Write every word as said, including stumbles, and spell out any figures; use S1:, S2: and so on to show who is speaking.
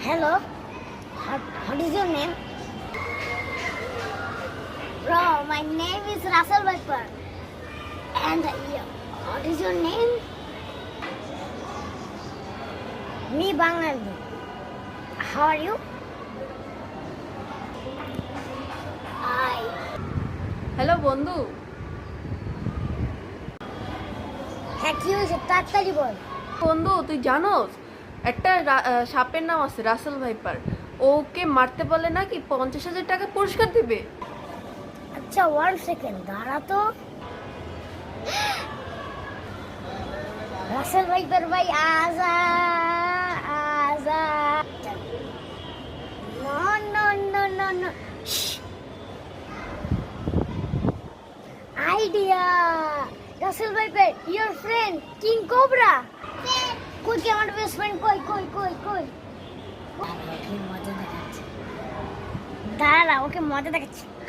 S1: Hello, what, what is your name? Bro, my name is Russell Viper. And uh, what is your name? Me Bangali. How are you? I.
S2: Hello বন্ধু।
S1: হ্যাঁ কি হয়েছে তাড়াতাড়ি বল।
S2: বন্ধু তুই জানোস একটা রা- আহ, সাপের নাম আছে রাসেল ভাইপার। ওকে মারতে পারলে নাকি পঞ্চাশ হাজার টাকা পুরস্কার দিবে।
S1: আচ্ছা ওয়ান সেকেন্ড দাঁড়া তো। রাসেল ভাইপার ভাই আজা আজা no no no no no idea. Russell viper your friend king cobra কই কি আমার বেস্ট ফ্রেন্ড কই কই কই কই দাঁড়া ওকে মজা দেখাচ্ছি দাঁড়া ওকে মজা দেখাচ্ছি